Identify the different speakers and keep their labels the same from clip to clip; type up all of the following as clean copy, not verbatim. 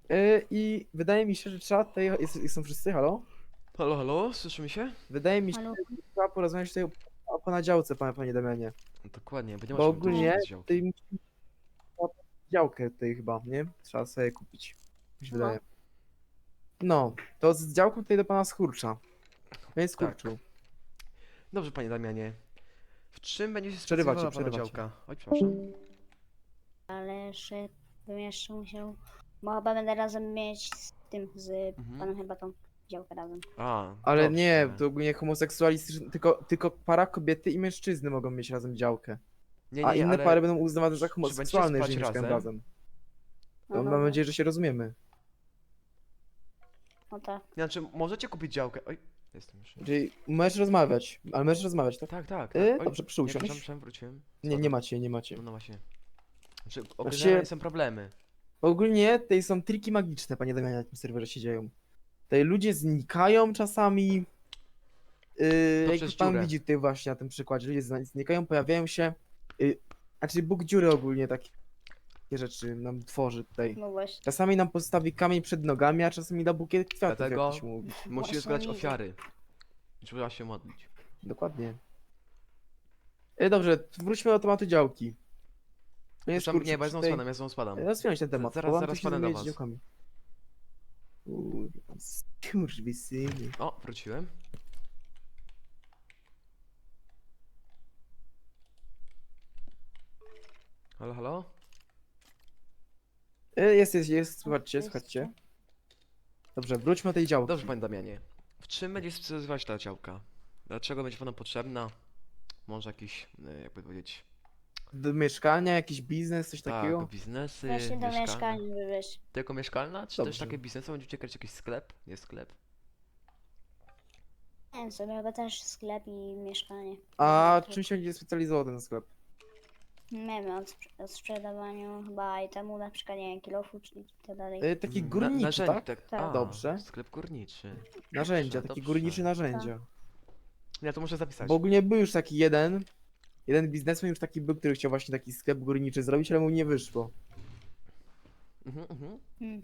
Speaker 1: I wydaje mi się, że trzeba tutaj. Są wszyscy, halo?
Speaker 2: Halo, halo, słyszymy się?
Speaker 1: Wydaje mi się,
Speaker 3: Halo?
Speaker 1: że trzeba porozmawiać tutaj o ponadziałce, panie Damianie.
Speaker 2: Dokładnie, bo nie
Speaker 1: Bo
Speaker 2: możemy tu
Speaker 1: ogólnie
Speaker 2: wrzucać z działki.
Speaker 1: tutaj musimy działkę tutaj chyba, nie? Trzeba sobie kupić. Mi się
Speaker 3: No.
Speaker 1: wydaje. No, to z działką tutaj do pana Skurcza. Panie Skurczu,
Speaker 2: Dobrze, panie Damianie. W czym będzie się
Speaker 1: Przerywacie,
Speaker 2: specjalizowała pana
Speaker 1: przerywacie.
Speaker 2: działka? Oj, przepraszam.
Speaker 3: Ale że bym jeszcze musiał. Bo chyba będę razem mieć z tym, z
Speaker 2: Mhm.
Speaker 3: panem chyba tą działkę razem.
Speaker 2: A,
Speaker 1: ale
Speaker 2: dobrze.
Speaker 1: nie, to ogólnie homoseksualistyczne, tylko para kobiety i mężczyzny mogą mieć razem działkę.
Speaker 2: Nie,
Speaker 1: A
Speaker 2: nie,
Speaker 1: inne
Speaker 2: ale
Speaker 1: pary będą uznawane za
Speaker 2: czy
Speaker 1: homoseksualne,
Speaker 2: będziecie
Speaker 1: jeżeli
Speaker 2: spać
Speaker 1: mieszkają razem.
Speaker 3: No,
Speaker 1: To
Speaker 3: no,
Speaker 1: mam
Speaker 3: no.
Speaker 1: nadzieję, że się rozumiemy.
Speaker 3: No tak.
Speaker 2: Znaczy, możecie kupić działkę. Oj, jestem już.
Speaker 1: Czyli możesz rozmawiać, ale możesz rozmawiać, tak?
Speaker 2: Tak, tak, tak. Oj,
Speaker 1: Dobrze, proszę
Speaker 2: nie,
Speaker 1: usiąść.
Speaker 2: przepraszam, wróciłem.
Speaker 1: Nie,
Speaker 2: Spadam.
Speaker 1: nie macie, nie macie.
Speaker 2: No, no właśnie. Znaczy,
Speaker 1: Znaczy-
Speaker 2: ogólnie są problemy.
Speaker 1: Ogólnie tutaj są triki magiczne, panie Damianie, na tym serwerze się dzieją. Tutaj ludzie znikają czasami.
Speaker 2: To
Speaker 1: Jak
Speaker 2: przez
Speaker 1: pan
Speaker 2: dziurę.
Speaker 1: widzi tutaj właśnie na tym przykładzie, ludzie znikają, pojawiają się. Znaczy Bóg dziury ogólnie takie rzeczy nam tworzy tutaj.
Speaker 3: No właśnie.
Speaker 1: Czasami nam postawi kamień przed nogami, a czasami da bukiet kwiatów,
Speaker 2: Dlatego
Speaker 1: jak to się mówi.
Speaker 2: musisz
Speaker 3: Właśnie
Speaker 2: zbierać
Speaker 3: widzę.
Speaker 2: ofiary. Trzeba się modlić.
Speaker 1: Dokładnie. Dobrze, wróćmy do tematu działki. No jest
Speaker 2: Przepraszam, nie, bo ja znowu
Speaker 1: tutaj...
Speaker 2: spadam, ja znowu spadam.
Speaker 1: Rozwiąż ten temat,
Speaker 2: Zaraz-
Speaker 1: bo mam
Speaker 2: zaraz
Speaker 1: tu się
Speaker 2: padnę do
Speaker 1: zajmować
Speaker 2: was.
Speaker 1: działkami. Kurwa, skurwysyny.
Speaker 2: O, wróciłem. Halo, halo?
Speaker 1: Jest, słuchajcie, słuchajcie. Dobrze, wróćmy do tej działki.
Speaker 2: Dobrze, panie Damianie. W czym będzie specjalizować ta działka? Dlaczego będzie panu potrzebna? Może jakiś, jakby powiedzieć,
Speaker 1: Do mieszkania, jakiś biznes, coś takiego?
Speaker 2: tak, biznesy,
Speaker 3: Właśnie do
Speaker 2: mieszkania.
Speaker 3: mieszkania wywieźć.
Speaker 2: Tylko mieszkalna? Czy też
Speaker 1: Dobrze.
Speaker 2: takie biznesy? Będziecie kręcić jakiś sklep? Nie sklep.
Speaker 3: Nie wiem sobie, chyba też sklep i mieszkanie.
Speaker 1: A
Speaker 3: To-
Speaker 1: czym się będzie specjalizował ten sklep?
Speaker 3: Nie wiem, o sprzedawaniu chyba itemu, na przykład nie wiem, kilofu czy tak dalej.
Speaker 1: Taki
Speaker 2: Na-
Speaker 1: górniczy,
Speaker 2: narzędzi,
Speaker 1: tak?
Speaker 3: Tak.
Speaker 2: A,
Speaker 1: Dobrze.
Speaker 2: Sklep górniczy.
Speaker 1: Narzędzia,
Speaker 2: Dobrze,
Speaker 1: taki
Speaker 2: dobrze.
Speaker 1: górniczy narzędzia.
Speaker 2: Ja to muszę zapisać.
Speaker 1: Bo ogólnie był już taki jeden biznesmen już taki był, który chciał właśnie taki sklep górniczy zrobić, ale mu nie wyszło.
Speaker 2: Mhm, mhm.
Speaker 3: Hmm.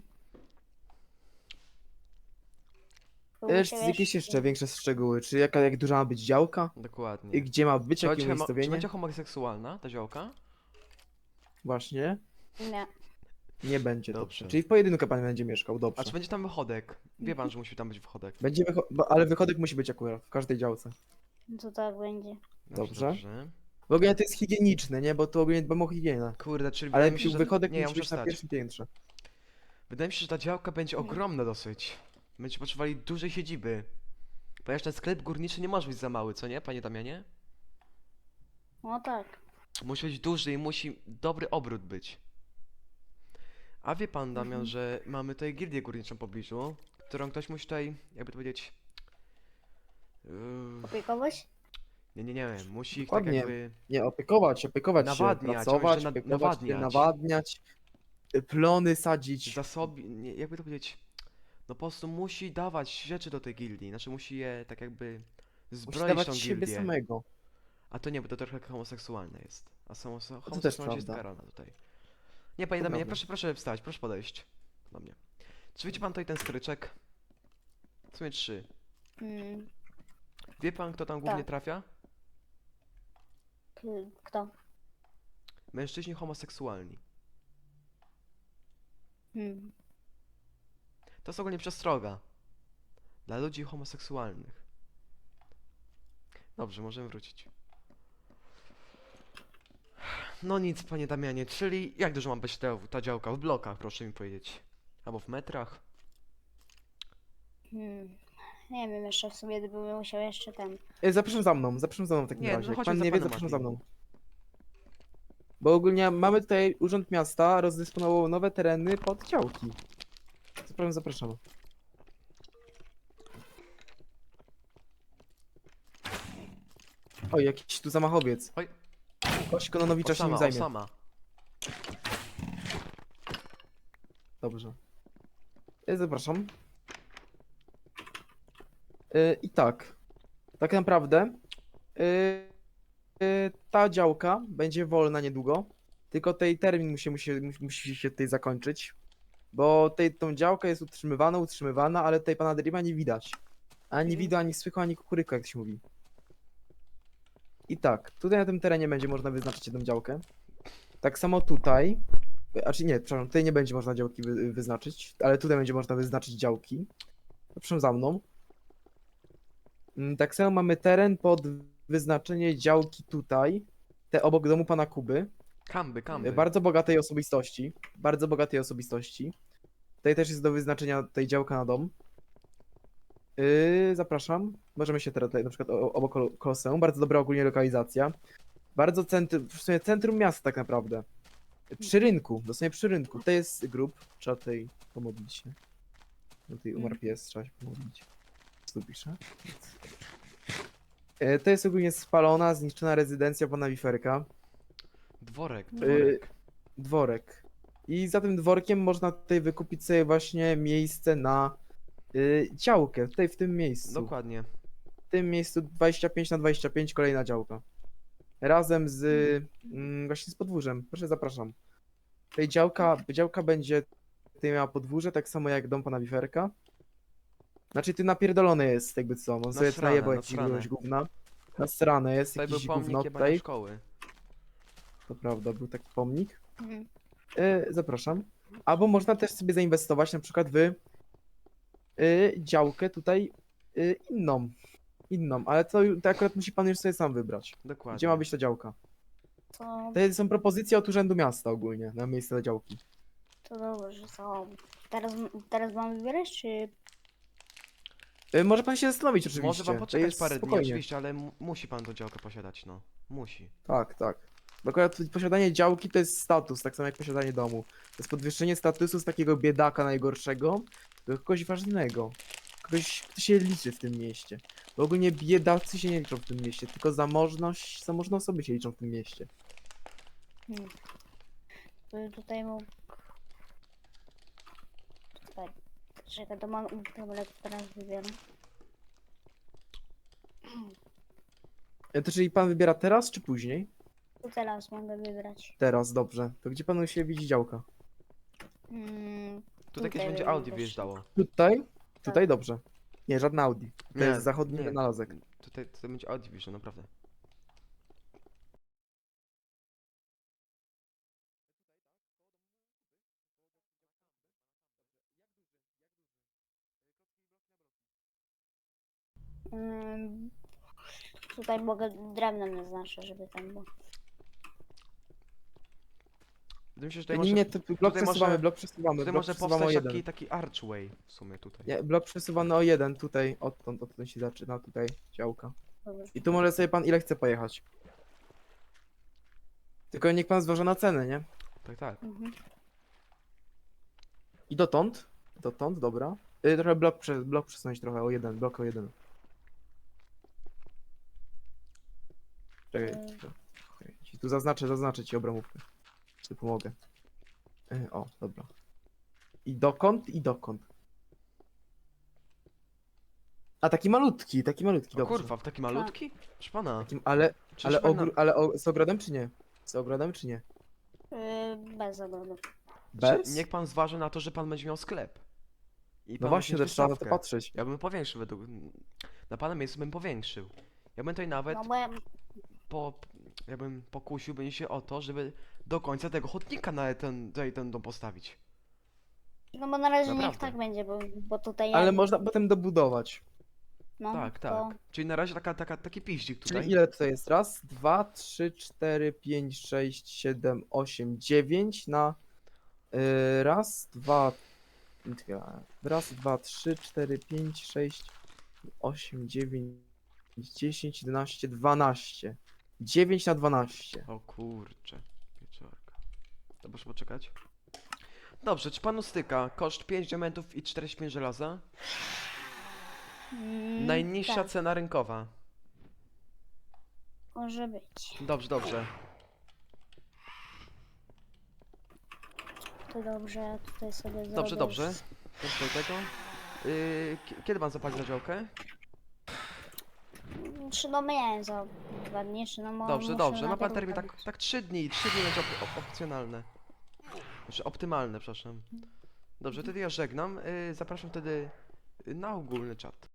Speaker 1: Czy jakieś jeszcze większe szczegóły? Czy jak duża ma być działka?
Speaker 2: Dokładnie.
Speaker 1: I gdzie ma być,
Speaker 2: Czy
Speaker 1: jakie
Speaker 2: będzie, czy
Speaker 1: umiejscowienie?
Speaker 2: będzie homoseksualna ta działka?
Speaker 1: Właśnie.
Speaker 3: Nie.
Speaker 1: Nie będzie,
Speaker 2: Dobrze.
Speaker 1: dobrze. Czyli w pojedynkę pan będzie mieszkał,
Speaker 2: A
Speaker 1: dobrze.
Speaker 2: czy będzie tam wychodek? Wie pan, że musi tam być wychodek.
Speaker 1: Będzie ale wychodek musi być akurat w każdej działce.
Speaker 3: To tak będzie.
Speaker 1: Dobrze.
Speaker 2: Dobrze.
Speaker 1: W ogóle to jest higieniczne, nie? Bo to ogólnie dbamy o higienę.
Speaker 2: Kurde, czyli
Speaker 1: Ale
Speaker 2: wydaje mi się, że...
Speaker 1: wychodek
Speaker 2: Nie, ja
Speaker 1: musi
Speaker 2: muszę
Speaker 1: być na
Speaker 2: wstać.
Speaker 1: pierwszym piętrze.
Speaker 2: Wydaje mi się, że ta działka będzie ogromna dosyć. Będziecie potrzebowali dużej siedziby. Ponieważ ten sklep górniczy nie może być za mały, co nie, panie Damianie?
Speaker 3: No tak.
Speaker 2: Musi być duży i musi dobry obrót być. A wie pan, Damian,
Speaker 3: Mhm.
Speaker 2: że mamy tutaj gildię górniczą w pobliżu, którą ktoś musi tutaj, jakby to powiedzieć...
Speaker 3: Opiekować?
Speaker 2: nie, musi ich tak
Speaker 1: Dokładnie.
Speaker 2: jakby...
Speaker 1: Nie, opiekować się,
Speaker 2: Nawadniać,
Speaker 1: pracować,
Speaker 2: on będzie
Speaker 1: opiekować się,
Speaker 2: nawadniać.
Speaker 1: nawadniać, plony sadzić.
Speaker 2: Zasobi... Nie, jakby to powiedzieć... No po prostu musi dawać rzeczy do tej gildii, znaczy musi je tak jakby...
Speaker 1: Musi
Speaker 2: Zbroić
Speaker 1: dawać
Speaker 2: tą
Speaker 1: siebie
Speaker 2: gildię.
Speaker 1: samego.
Speaker 2: A to nie, bo to trochę homoseksualne jest. A
Speaker 1: też
Speaker 2: homoseksualność jest
Speaker 1: prawda.
Speaker 2: karana tutaj. Nie, panie
Speaker 1: To
Speaker 2: Damianie,
Speaker 1: prawda.
Speaker 2: proszę wstać, proszę podejść do mnie. Czy widzi pan tutaj ten stryczek? W sumie 3.
Speaker 3: Hmm.
Speaker 2: Wie pan, kto tam głównie
Speaker 3: Tak.
Speaker 2: trafia?
Speaker 3: Kto?
Speaker 2: Mężczyźni homoseksualni.
Speaker 3: Hmm.
Speaker 2: To jest ogólnie przestroga. Dla ludzi homoseksualnych. Dobrze, możemy wrócić. No nic, panie Damianie, czyli jak dużo ma być ta działka? W blokach, proszę mi powiedzieć. Albo w metrach?
Speaker 3: Hmm. Nie wiem, jeszcze w sumie bym musiał jeszcze ten.
Speaker 1: Zapraszam za mną w takim
Speaker 2: Nie, no
Speaker 1: razie. Jak
Speaker 2: chodźmy
Speaker 1: pan
Speaker 2: za
Speaker 1: nie wie,
Speaker 2: panem
Speaker 1: zapraszam za
Speaker 2: Admin.
Speaker 1: mną. Bo ogólnie mamy tutaj Urząd Miasta, rozdysponował nowe tereny pod działki. Zapraszam. Oj, jakiś tu zamachowiec.
Speaker 2: Oj.
Speaker 1: Kość Kononowicza się nim
Speaker 2: Osama,
Speaker 1: zajmie.
Speaker 2: Osama.
Speaker 1: Dobrze. Zapraszam. I tak naprawdę ta działka będzie wolna niedługo, tylko tej termin musi się tutaj zakończyć, Bo tą działkę jest utrzymywana, ale tutaj pana Dreama nie widać. Ani widać, ani słychać, ani kukuryka, jak się mówi. I tak, tutaj na tym terenie będzie można wyznaczyć jedną działkę. Tak samo tutaj. Znaczy nie, przepraszam, tutaj nie będzie można działki wyznaczyć, ale tutaj będzie można wyznaczyć działki. Proszę za mną. Tak samo mamy teren pod wyznaczenie działki tutaj. Te obok domu pana Kuby.
Speaker 2: Kamby, kamby.
Speaker 1: Bardzo bogatej osobistości. Bardzo bogatej osobistości. Tutaj też jest do wyznaczenia tej działka na dom. Zapraszam. Możemy się teraz tutaj na przykład obok Koloseum. Bardzo dobra ogólnie lokalizacja. Bardzo w sumie centrum miasta tak naprawdę. Przy rynku, dosłownie przy rynku. To jest grób. Trzeba tutaj pomodlić się. Tutaj umarł pies, trzeba się pomodlić. Co tu pisze? Nic. To jest ogólnie spalona, zniszczona rezydencja pana Wiferka.
Speaker 2: Dworek,
Speaker 1: Y,
Speaker 2: dworek.
Speaker 1: Dworek. I za tym dworkiem można tutaj wykupić sobie właśnie miejsce na działkę. Tutaj w tym miejscu.
Speaker 2: Dokładnie.
Speaker 1: W tym miejscu 25×25 kolejna działka. Razem z właśnie z podwórzem. Proszę, zapraszam. Tutaj działka będzie tutaj miała podwórze, tak samo jak dom pana Wiferka. Znaczy ty napierdolone jest jakby co, no sobie
Speaker 2: Nasrane,
Speaker 1: najebał jakieś
Speaker 2: nasrane.
Speaker 1: gówna. Nasrane jest,
Speaker 2: Tutaj był
Speaker 1: jakieś
Speaker 2: pomnik
Speaker 1: gówno
Speaker 2: jebania
Speaker 1: tutaj.
Speaker 2: szkoły.
Speaker 1: To prawda, był taki pomnik.
Speaker 3: Mhm.
Speaker 1: Zapraszam. Albo można też sobie zainwestować na przykład w działkę tutaj inną. Inną, ale to akurat musi pan już sobie sam wybrać.
Speaker 2: Dokładnie.
Speaker 1: Gdzie ma być ta działka?
Speaker 3: To,
Speaker 1: To są propozycje od Urzędu Miasta ogólnie na miejsce dla działki.
Speaker 3: to dobrze, to teraz mam wybierać, czy...
Speaker 1: Może pan się zastanowić oczywiście.
Speaker 2: Może pan
Speaker 1: to
Speaker 2: poczekać
Speaker 1: jest
Speaker 2: parę dni,
Speaker 1: spokojnie.
Speaker 2: oczywiście, ale musi pan tą działkę posiadać, no. Musi.
Speaker 1: Tak, tak. Bo akurat posiadanie działki to jest status, tak samo jak posiadanie domu. To jest podwyższenie statusu z takiego biedaka najgorszego do kogoś ważnego. Kogoś, kto się liczy w tym mieście. Bo ogólnie biedacy się nie liczą w tym mieście, tylko zamożne osoby się liczą w tym mieście.
Speaker 3: Hmm. To tutaj mógł... Tutaj. Czekaj, to mam... Dobra, teraz wybieram.
Speaker 1: To czyli pan wybiera teraz, czy później?
Speaker 3: To teraz mogę wybrać.
Speaker 1: Teraz, dobrze. To gdzie panu się widzi działka?
Speaker 3: Hmm,
Speaker 2: Tutaj kiedyś
Speaker 3: Tutaj
Speaker 2: będzie
Speaker 3: bym
Speaker 2: Audi
Speaker 3: też-
Speaker 2: wyjeżdżało.
Speaker 1: Tutaj? Tutaj dobrze. Nie, żadna Audi. To
Speaker 2: Nie,
Speaker 1: jest zachodni
Speaker 2: nie.
Speaker 1: wynalazek.
Speaker 2: Tutaj będzie Audi wyjeżdżał, naprawdę.
Speaker 3: hmm, tutaj mogę drewnem naznaczyć, żeby tam było.
Speaker 2: Wydaje mi się, że tutaj
Speaker 1: Nie,
Speaker 2: może,
Speaker 1: nie, to blok
Speaker 2: tutaj
Speaker 1: przesuwamy,
Speaker 2: może-
Speaker 1: blok przesuwamy,
Speaker 2: tutaj
Speaker 1: blok
Speaker 2: może
Speaker 1: przesuwamy o
Speaker 2: powstać
Speaker 1: jeden.
Speaker 2: taki archway w sumie tutaj.
Speaker 1: Nie, blok przesuwany o jeden, tutaj, odtąd się zaczyna, tutaj działka.
Speaker 3: Dobra.
Speaker 1: I tu może sobie pan ile chce pojechać. Tylko niech pan zważy na cenę, nie?
Speaker 2: Tak, tak.
Speaker 3: Mhm.
Speaker 1: I dotąd, dobra. Trochę blok przesunąć trochę o jeden, blok o jeden. Czekaj, okej, ci tu zaznaczę ci obramówkę. Czy pomogę. O, dobra. I dokąd? A taki malutki,
Speaker 2: O
Speaker 1: dobrze.
Speaker 2: kurwa, taki malutki? Proszę pana.
Speaker 1: Takim, ale
Speaker 2: Przecież pan na-
Speaker 1: z ogrodem czy nie? Z ogrodem czy nie?
Speaker 3: Bez ogrodu.
Speaker 1: Bez?
Speaker 2: Niech pan zważy na to, że pan będzie miał sklep. I
Speaker 1: No
Speaker 2: pan
Speaker 1: właśnie,
Speaker 2: będzie
Speaker 1: też trzeba na to
Speaker 2: wystawkę.
Speaker 1: patrzeć.
Speaker 2: Ja bym powiększył według... Na pana miejscu bym powiększył. Ja bym tutaj nawet
Speaker 3: No bo ja...
Speaker 2: ja bym pokusiłbym się o to, żeby do końca tego chodnika na ten dom postawić.
Speaker 3: No bo na razie niech
Speaker 2: Naprawdę.
Speaker 3: tak będzie, bo tutaj
Speaker 1: Ale
Speaker 3: ja...
Speaker 1: można potem dobudować.
Speaker 3: No,
Speaker 2: Tak,
Speaker 3: to...
Speaker 2: tak. Czyli na razie taki piździk tutaj.
Speaker 1: Czyli ile tutaj jest? Raz, dwa, trzy, cztery, pięć, sześć, siedem, osiem, dziewięć na raz, dwa, raz, dwa, trzy, cztery, pięć, sześć, osiem, dziewięć, 10, 11, 12. 9 na 12.
Speaker 2: O kurcze, wieczorka. To proszę poczekać. Dobrze, czy panu styka koszt 5 diamentów i 45 żelaza? Najniższa
Speaker 3: tak,
Speaker 2: cena rynkowa.
Speaker 3: może być.
Speaker 2: Dobrze, dobrze.
Speaker 3: To dobrze, ja tutaj sobie zrobię...
Speaker 2: Dobrze, dobrze. Dobrze do tego. Kiedy pan zapali za działkę?
Speaker 3: Czy no miałem za 2 dni, czy no
Speaker 2: Dobrze,
Speaker 3: muszę
Speaker 2: dobrze.
Speaker 3: na
Speaker 2: Ma pan
Speaker 3: tego
Speaker 2: termin
Speaker 3: zrobić.
Speaker 2: tak 3 dni. 3 dni będzie opcjonalne. Znaczy optymalne, przepraszam. Dobrze, wtedy ja żegnam. Zapraszam wtedy na ogólny czat.